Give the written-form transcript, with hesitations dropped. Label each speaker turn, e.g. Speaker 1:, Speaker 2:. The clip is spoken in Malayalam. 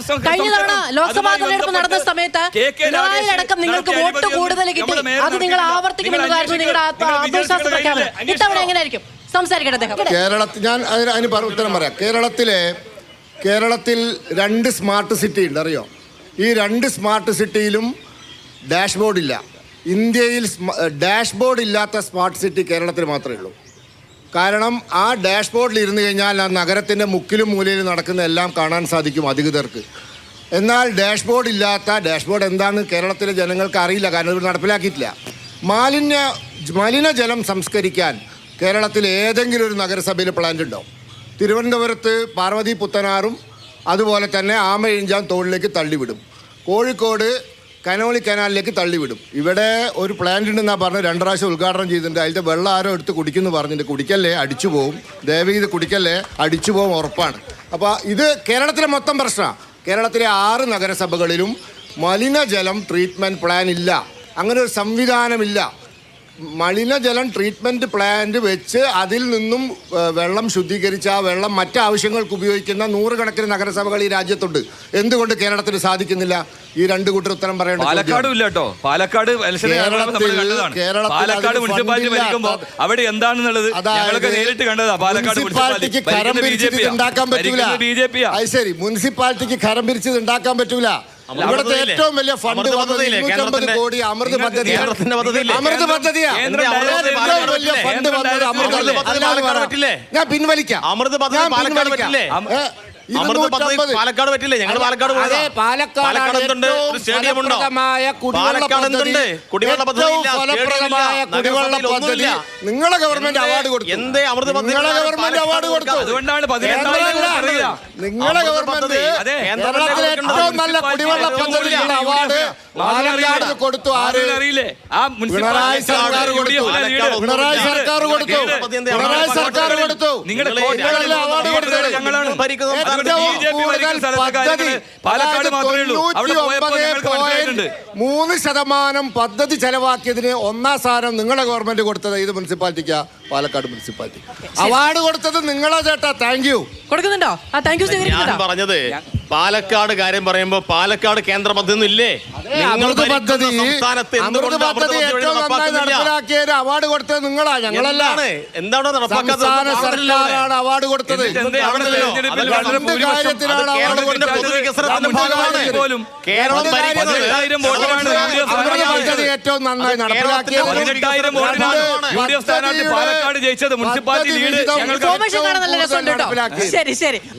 Speaker 1: കഴിഞ്ഞ തവണ ലോക്സഭാ തെരഞ്ഞെടുപ്പ് നടന്ന സമയത്ത് പിണറായിയടക്കം നിങ്ങൾക്ക് വോട്ട് കൂടുതൽ കിട്ടി. അത് നിങ്ങൾ ആവർത്തിക്കുമെന്നതായിരുന്നു നിങ്ങളുടെ ആത്മവിശ്വാസ പ്രഖ്യാപനം. ഇത്തവണ എങ്ങനെയായിരിക്കും സംസാരിക്കട്ടെ അദ്ദേഹം?
Speaker 2: കേരളത്തിൽ ഞാൻ അതിന് ഉത്തരം പറയാം. കേരളത്തിൽ 2 സ്മാർട്ട് സിറ്റി ഉണ്ട്, അറിയോ? ഈ 2 സ്മാർട്ട് സിറ്റിയിലും ഡാഷ്ബോർഡ് ഇല്ല. ഇന്ത്യയിൽ ഡാഷ്ബോർഡ് ഇല്ലാത്ത സ്മാർട്ട് സിറ്റി കേരളത്തിൽ മാത്രമേ ഉള്ളൂ. കാരണം ആ ഡാഷ്ബോർഡിൽ ഇരുന്ന് കഴിഞ്ഞാൽ ആ നഗരത്തിൻ്റെ മുക്കിലും മൂലയിലും നടക്കുന്ന എല്ലാം കാണാൻ സാധിക്കും അധികൃതർക്ക്. എന്നാൽ ഡാഷ്ബോർഡ് എന്താണ് കേരളത്തിലെ ജനങ്ങൾക്ക് അറിയില്ല, കാരണം ഇത് നടപ്പിലാക്കിയിട്ടില്ല. മലിനജലം സംസ്കരിക്കാൻ കേരളത്തിൽ ഏതെങ്കിലും ഒരു നഗരസഭയിൽ പ്ലാന്റ് ഉണ്ടോ? തിരുവനന്തപുരത്ത് പാർവതി പുത്തനാറും അതുപോലെ തന്നെ ആമയിഞ്ചാൻ തോടിലേക്ക് തള്ളിവിടും. കോഴിക്കോട് കനോളി കനാലിലേക്ക് തള്ളിവിടും. ഇവിടെ ഒരു പ്ലാന്റ് ഉണ്ടെന്നാണ് പറഞ്ഞ് 2 പ്രാവശ്യം ഉദ്ഘാടനം ചെയ്തിട്ടുണ്ട്. അതിൻ്റെ വെള്ളം ആരോ എടുത്ത് കുടിക്കുമെന്ന് പറഞ്ഞിട്ടുണ്ട്. കുടിക്കല്ലേ, അടിച്ചു പോവും. ദയവീത് കുടിക്കല്ലേ, അടിച്ചു പോവും, ഉറപ്പാണ്. അപ്പോൾ ഇത് കേരളത്തിലെ മൊത്തം പ്രശ്നമാണ്. കേരളത്തിലെ 6 നഗരസഭകളിലും മലിനജലം ട്രീറ്റ്മെൻറ്റ് പ്ലാൻ ഇല്ല. അങ്ങനെ ഒരു സംവിധാനമില്ല. മലിനജലം ട്രീറ്റ്മെൻറ്റ് പ്ലാന്റ് വെച്ച് അതിൽ നിന്നും വെള്ളം ശുദ്ധീകരിച്ച് ആ വെള്ളം മറ്റാവശ്യങ്ങൾക്ക് ഉപയോഗിക്കുന്ന 100 കണക്കിന് നഗരസഭകൾ ഈ രാജ്യത്തുണ്ട്. എന്തുകൊണ്ട് കേരളത്തിന് സാധിക്കുന്നില്ല? ഈ 2 കൂട്ടർ ഉത്തരം പറയേണ്ടത്.
Speaker 3: പാലക്കാട് ഇല്ല കേട്ടോ. പാലക്കാട് മുനിസിപ്പാലിറ്റി ഭരിക്കുമ്പോൾ അവിടെ എന്താണെന്നുള്ളത് ഞങ്ങളൊക്കെ നേരിട്ട് കണ്ടതാ. പാലക്കാട്
Speaker 2: മുനിസിപ്പാലിറ്റിക്ക് കരം പിരിച്ചത് ഉണ്ടാക്കാൻ പറ്റൂല. അത് ശരി, മുനിസിപ്പാലിറ്റിക്ക് കരം പിരിച്ചത് ഉണ്ടാക്കാൻ പറ്റൂല. ഇവിടുത്തെ ഏറ്റവും വലിയ ഫണ്ട് 250 കോടി അമൃത് പദ്ധതി. ഞാൻ പിൻവലിക്കാം.
Speaker 4: പാലക്കാട് പറ്റില്ലേ? ഞങ്ങൾ പാലക്കാട്
Speaker 2: നിങ്ങളെ ഗവൺമെന്റ് അവാർഡ് കൊടുത്തു.
Speaker 4: എന്തേ അമൃത്
Speaker 2: നിങ്ങളെ ഗവൺമെന്റ് അവാർഡ് കൊടുത്തു.
Speaker 3: അതുകൊണ്ടാണ്
Speaker 2: നിങ്ങളെ ഗവൺമെന്റ് കേരളത്തിലെ ഏറ്റവും നല്ല കുടിവെള്ള പദ്ധതിക്കുള്ള അവാർഡ് പാലക്കാട് കൊടുത്തു.
Speaker 3: അറിയില്ലേ?
Speaker 2: പിണറായി സർക്കാർ കൊടുത്തു. പിണറായി സർക്കാർ കൊടുത്തു. പിണറായി സർക്കാർ കൊടുത്തു.
Speaker 3: നിങ്ങളുടെ
Speaker 2: അവാർഡ് കൊടുത്തത്
Speaker 3: ഞങ്ങളാണ്.
Speaker 2: പാലക്കാട് 3% പദ്ധതി ചെലവാക്കിയതിന് 1ാം സ്ഥാനം നിങ്ങളെ ഗവൺമെന്റ് കൊടുത്തത് ഇത് മുനിസിപ്പാലിറ്റിക്കാ. പാലക്കാട് മുനിസിപ്പാലിറ്റി അവാർഡ് കൊടുത്തത് നിങ്ങളെ ചേട്ടാ. താങ്ക് യു
Speaker 1: കൊടുക്കുന്നുണ്ടോ?
Speaker 4: ഞാൻ പറഞ്ഞത് പാലക്കാട് കാര്യം പറയുമ്പോ പാലക്കാട് കേന്ദ്ര പദ്ധതി ഇല്ലേ?
Speaker 2: അമൃത് പദ്ധതി ഏറ്റവും നന്നായി നടപ്പിലാക്കിയ അവാർഡ് കൊടുത്തത് നിങ്ങളാ, ഞങ്ങളല്ല.
Speaker 4: എന്താണ്
Speaker 2: സംസ്ഥാന സർക്കാരാണ് അവാർഡ് കൊടുത്തത്. ഏറ്റവും നന്നായി നടപ്പിലാക്കിയത്
Speaker 3: പാലക്കാട് ജയിച്ചത് മുനിസിപ്പാലിറ്റി ലീഡ്.
Speaker 1: ശരി ശരി.